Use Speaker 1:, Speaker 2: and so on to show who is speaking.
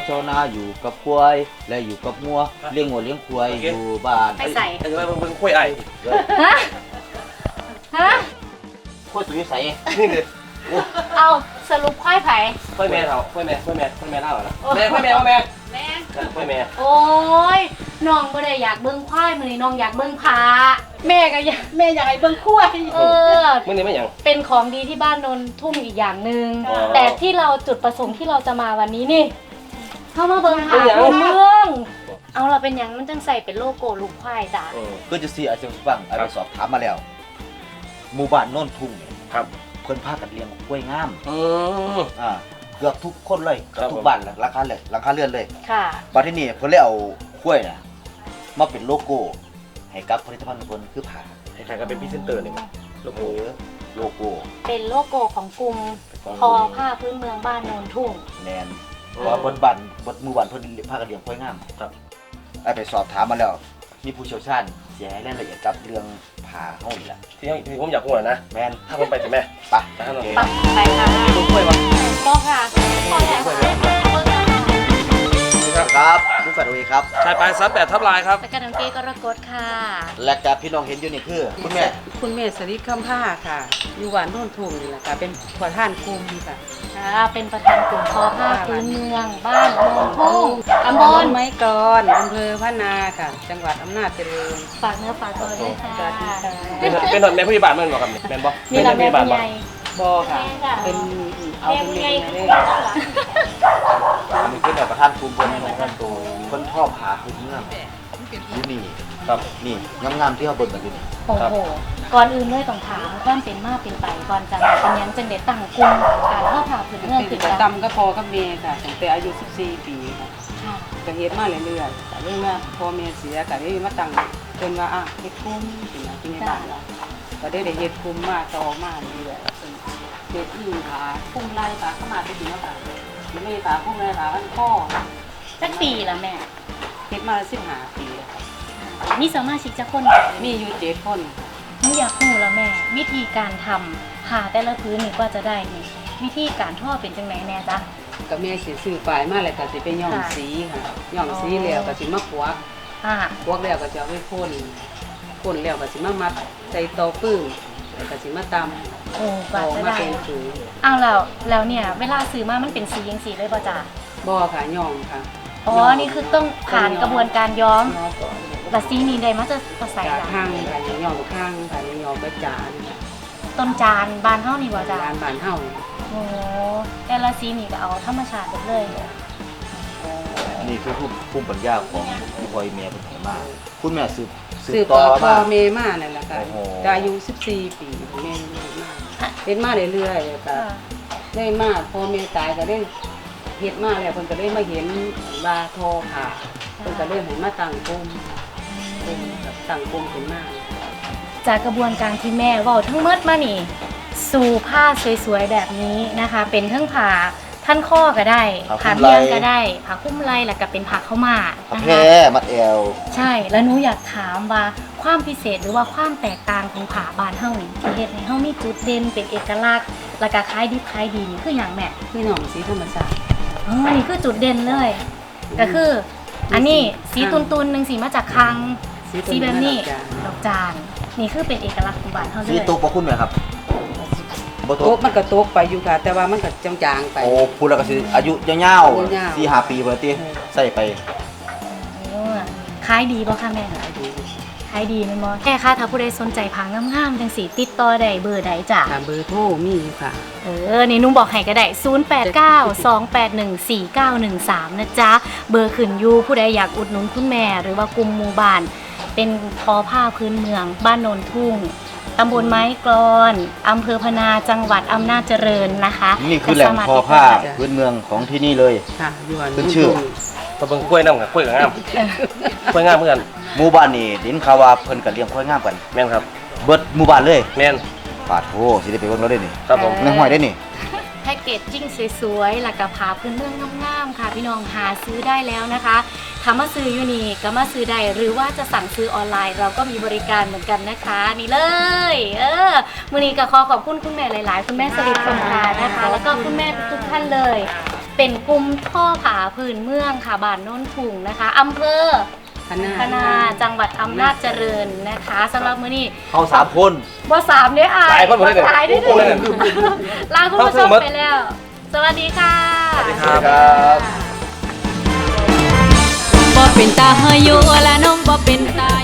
Speaker 1: ชาวนาอยู่กับควายและอยู่กับงัวเลี้ยงงัวเลี้ยงควายอยู่บ้าน
Speaker 2: ไปใส่
Speaker 3: ไอ้ว่ามึงคุยไอ้
Speaker 2: ฮะฮะ
Speaker 1: ควายสุวิสัย
Speaker 3: นี่เลย
Speaker 2: เอาสรุปควายไผ่
Speaker 3: คุยแม่เท่าคุยแม่เท่านะแม่คุยแม่ว่าแม่
Speaker 2: แม่
Speaker 3: คุยแม่
Speaker 2: โอ้ยน้องบ่ได้อยากเบิ่งควายมื้อนี้น้องอยากเบิ่งผาแม่ก็อยากแม่อยากให้เบิ่งควาย
Speaker 3: มึงนี่ไม่ยัง
Speaker 2: เป็นของดีที่บ้านนนทุ่งอีกอย่างหนึ่ง
Speaker 3: อ๋อ
Speaker 2: แต่ที่เราจุดประสงค์ที่เราจะมาวันนี้นี่เข้ามาเบิ่งผาพื้นเมืองเอาเราเป็นหยังมันจังใส่เป็นโลโก้ลูกควายจ้ะ
Speaker 1: ก็จะซีอาเซียนฟังไอ้ไปสอบถามมาแล้วหมู่บ้านโน่นทุ่งเนี่ย
Speaker 3: ครับ
Speaker 1: เพิ่นพากันเลี้ยงกล้วยงาม
Speaker 3: อืม
Speaker 1: เกือบทุกคนเลย
Speaker 3: ครับ
Speaker 1: ทุกบ้านเลยราคาเลยราคาเลื่อนเลย
Speaker 2: ค่ะ
Speaker 1: บัดที่นี่เพิ่นเลยเอากล้วยน่ะมาเป็นโลโก้ให้กับผลิตภัณฑ์ของเพิ่นคือผ้า
Speaker 3: ใครๆก็เป็นพรีเซนเตอร์นี่มั้งโลโก้
Speaker 1: โลโก้
Speaker 2: เป็นโลโก้ของกลุ่มทอผ้าพื้นเมืองบ้านโนนทุ่ง
Speaker 1: แนนเพราะว่าบนบ้านบนหมู่บ้านเพิ่นพากันเลี้ยงกล้วยงาม
Speaker 3: ครับ
Speaker 1: ไอ้ไปสอบถามมาแล้วมีผู้เชี่ยวชาญเสียให้รายละเอียดกับเรื่องผ้าเฮานี่ล่ะ
Speaker 3: ที่ผมอยากพูดนะ
Speaker 1: แม่น
Speaker 3: ถ้าผมไปถึงแม่
Speaker 1: ไป
Speaker 3: จะให้เรา
Speaker 2: ไปค่ะ
Speaker 3: ลูกคุยวะ
Speaker 2: ก็ค่ะพอแล้ว
Speaker 1: ครับผู้ฝันโอเอครับ
Speaker 3: ชายปลายซับแบบทับลายครับ
Speaker 2: แล้วก็น้ำเก้กรกฎค่ะ
Speaker 1: และกับพี่น้องเห็นอยู่นี่คือคุณแม่
Speaker 4: คุณแม่สริคำผ้าค่ะ อยู่หวานโน่นทุ่งนี่แหละค่ะ เป็นประธานกลุ่มค่ะ
Speaker 2: เป็นประธานกลุ่มทอผ้าพื้นเมืองบ้านโนนทุ่งตำบล
Speaker 4: ไม้กรอำเภอพะนาค่ะ จังหวัดอำนาจเจริญ
Speaker 2: ฝากเนื้อฝากตัวด้วยค่ะ
Speaker 4: สวัสดีค่ะ
Speaker 3: เป็นหน่วยแม่ผู้ใหญ่บ้านแม่นบอกครับแม่นบอก
Speaker 2: นี่เราแม่
Speaker 3: บ้า
Speaker 2: ผู้
Speaker 3: น
Speaker 2: ให
Speaker 3: บอก
Speaker 2: ญ่
Speaker 4: บอค่ะ
Speaker 2: แม่ค่ะ
Speaker 4: เป็นเอา
Speaker 2: แม่
Speaker 4: เป็น
Speaker 2: ผู้
Speaker 4: เม
Speaker 2: ใหญ่
Speaker 4: นูเลย
Speaker 1: มีขึ้นแบบประธานกลุ่มเพิ่นนะครับตัวคนชอบหาพื้นเมืองอยู่นี่
Speaker 3: ครับ
Speaker 1: นี่งามๆที่เขาเบิ่งกันอยู่นี่
Speaker 2: โอ้โห ก่อนอื่นเลยต้องถามความเป็นมาเป็นไปก่อนจะมาเป็นยังจังเด็ดตั้งกลุ่มการทอผ้าพื้นเมือง
Speaker 4: เป็
Speaker 2: ขึ้
Speaker 4: น
Speaker 2: น
Speaker 4: ประ
Speaker 2: มา
Speaker 4: จำก็พอกับเมย์ค่ะตั้งแต่อายุ 14 ปีค่ะ
Speaker 2: ค่ะ
Speaker 4: ก็เฮ็ดมาเรื่อยๆแต่เรื่องว่าพอเมย์เสียก็ได้มาตั้งจนว่าเฮ็ดคุ้มเป็นอะไรที่ในบ้านเราก็ได้เฮ็ดคุ้มมาต่อมาเรื่อยๆเฮ็ดอิงขาคุ้มไล่ขาเข้ามาไปถึงแล้วค่ะไม่ขาคุ้มไล่ขาขั้นข้อ
Speaker 2: สักปีละแม่
Speaker 4: เฮ็ดมา15 ปีแล้วค่ะ
Speaker 2: มีสมาชิกจะคน
Speaker 4: มีอยู่7 คน
Speaker 2: หนูอยากรู้แล้วแม่ วิธีการทำผ้าแต่ละพื้นนี่กว่าจะได้นี่วิธีการทอเป็นจังไหนแน่จ๊ะ
Speaker 4: ก็แม่สิซื้อปลายมาแล้วก็สิไปย้อมสีค่ะย้อมสีแล้วก็สิมาพวก
Speaker 2: ค่ะ
Speaker 4: พวกแล้วก็จะเอาไปพ่นแล้วก็สิมามัดใส่เตาปึ้งแล้วก็สิมาตำ
Speaker 2: โอ้ก
Speaker 4: ต่
Speaker 2: ว่า
Speaker 4: อ
Speaker 2: จะ
Speaker 4: มา
Speaker 2: ได้
Speaker 4: เป็นสูง
Speaker 2: เอาแล้วเนี่ยเวลาซื้อมามันเป็นสียังสีเลยป่ะจ๊ะ
Speaker 4: บ่ค่ะย้อมค่ะ
Speaker 2: อ๋อ นี่คือต้องผ่านกระบวนการย้อม
Speaker 4: ย้อมก่อน
Speaker 2: แต่สีนี้ได้มาจะใส่
Speaker 4: จาก
Speaker 2: จ้ะ
Speaker 4: ข้างค่ะย้อมข้างค่ะย้อมกระจาน
Speaker 2: ต้นจานบานเท่านี่ป่ะจ๊ะ
Speaker 4: ร้านบ้านเฮา
Speaker 2: โอ้แต่ละสีนี่ก็เอาธรรมชาติหมดเลย
Speaker 1: นี่คือภูมิปัญญาของพี่พลอยเมียเป็นไหมาคุณแม่สืบ
Speaker 4: สืบ
Speaker 1: ต่
Speaker 4: ต่
Speaker 1: อ
Speaker 4: อพ่อ
Speaker 1: มา
Speaker 4: แม่มานั่นแหละค่ะ
Speaker 1: โอ้โห
Speaker 4: ก็อายุ14 ปีแม่มาเฮ็ดมาเรื่อยๆแล้วก็ได้มาพอแม่ตายก็ได้เฮ็ดมาแล้วเพิ่นก็ได้มาเห็นว่าทอผ้าเพิ่นก็เลยให้มาตั้งกลุ่มตั้งกลุ่มขึ้นมา
Speaker 2: จากกระบวนการที่แม่เว่าทั้งหมดมานี่ สู่ผ้าสวยๆแบบนี้นะคะ เป็นทั้งผ้าท่านข้อก็ได้ผ้าเมียงก็ได้ผ้าคุ้มไหล่แล้วก็เป็นผ้าเข้าวหมาก
Speaker 1: ผ้า
Speaker 2: นะ
Speaker 1: แพร
Speaker 2: คะ
Speaker 1: มัดแอว
Speaker 2: ใช่ แล้วหนูอยากถามว่าความพิเศษหรือว่าความแตกต่างของผ้าบานเฮานี่ที่เฮ็ดให้เฮามีจุดเด่นเป็นเอกลักษณ์แล้วก็คล้ายดิบคล้ายดีนี่คือหยังแม่
Speaker 4: คือหนองสีธรรมชาติ
Speaker 2: อ๋อนี่คือจุดเด่นเลย ก็คือ อันนี้สีตุนๆหนึงสีมาจากคลังสีแบบนี้ดอกจานนี่คือเป็นเอกลักษณ์ของบานเฮาเล
Speaker 1: สี
Speaker 2: ย
Speaker 1: ตกบ่คุณแม่ครับบ่ต
Speaker 4: โต๊ะ
Speaker 1: ก
Speaker 4: มันก็ตกไปอยู่ค่ะ แต่ว่ามันก็จางๆไป
Speaker 1: โอ้พูดแล้วก็สิอายุยาว
Speaker 4: อายุยาว
Speaker 1: ๆ4-5 ปีพุ่นละติใส่ไป
Speaker 2: ขายดีบ่คะแม่ขายดีแม่นบ่แค่ค่ะถ้าผู้ใดสนใจผ้างามๆจังสีติดต่อได้เบอร์ใดจ้ะ
Speaker 4: ตามเบอร์โทรมีอยู่ค่ะ
Speaker 2: นี่นุ่งบอกให้ก็ได้ 0892814913 นะจ๊ะ เบอร์ขึ้นอยู่ผู้ใดอยากอุดหนุนคุณแม่ หรือว่ากลุ่มหมู่บ้าน เป็นทอผ้าพื้นเมือง บ้านโนนทุ่ง ตำบลไม้กลอนอำเภอพนาจังหวัดอำนาจเจริญนะคะ
Speaker 1: นี่คือแหล่งทอผ้าพื้นเมืองของที่นี่เลย
Speaker 4: ค่ะอยู่อัน
Speaker 1: ขึ้นชื่อ
Speaker 3: ตะเบิงกล้วยน้ำกับกล้วยกับงามกล้วยงามเหมือนกัน
Speaker 1: หมู่บ้านนี่ดินข่าวว่าเพิ่นก็เลี้ยงควายงามกัน
Speaker 3: แม่นครับ
Speaker 1: เบิดหมู่บ้านเลย
Speaker 3: แม่น
Speaker 1: ปาดโธสิได้ไปเบิ่งแล้วเด้นี่
Speaker 3: ครับผม
Speaker 1: ในห้อยได้นี่
Speaker 2: แพ็กเกจจิ้งสวยๆหลักกะผาพื้นเมืองงามๆค่ะ พี่น้องหาซื้อได้แล้วนะคะถ้ามาซื้ออยู่นี่ก็มาซื้อได้หรือว่าจะสั่งซื้อออนไลน์เราก็มีบริการเหมือนกันนะคะ นี่เลยมื้อนี้ก็ขอขอบคุณคุณแม่หลายๆ คุณแม่สลิดคำพานะคะ แล้วก็คุณแม่ทุกๆท่านเลยเป็นกลุ่มท่อผาพื้นเมืองค่ะบ้านโน้นถุงนะคะอำเภอพนาจังหวัดอำนาจเจริญนะคะสำหรับมื้อนี้
Speaker 1: เขา3 คน
Speaker 2: ว่า3เนี่ยอ่ะ
Speaker 3: หลายคนหมดเลยเนี่ย
Speaker 2: หลายได้
Speaker 3: โอ้โหเลยเนี่ย
Speaker 2: ลาคุณผู้ชมไปแล้ว สวัสดีค่ะ
Speaker 3: สวัสดีครับ
Speaker 5: บ่เป็นตาเฮยอยู่ละน้องบ่เป็นตา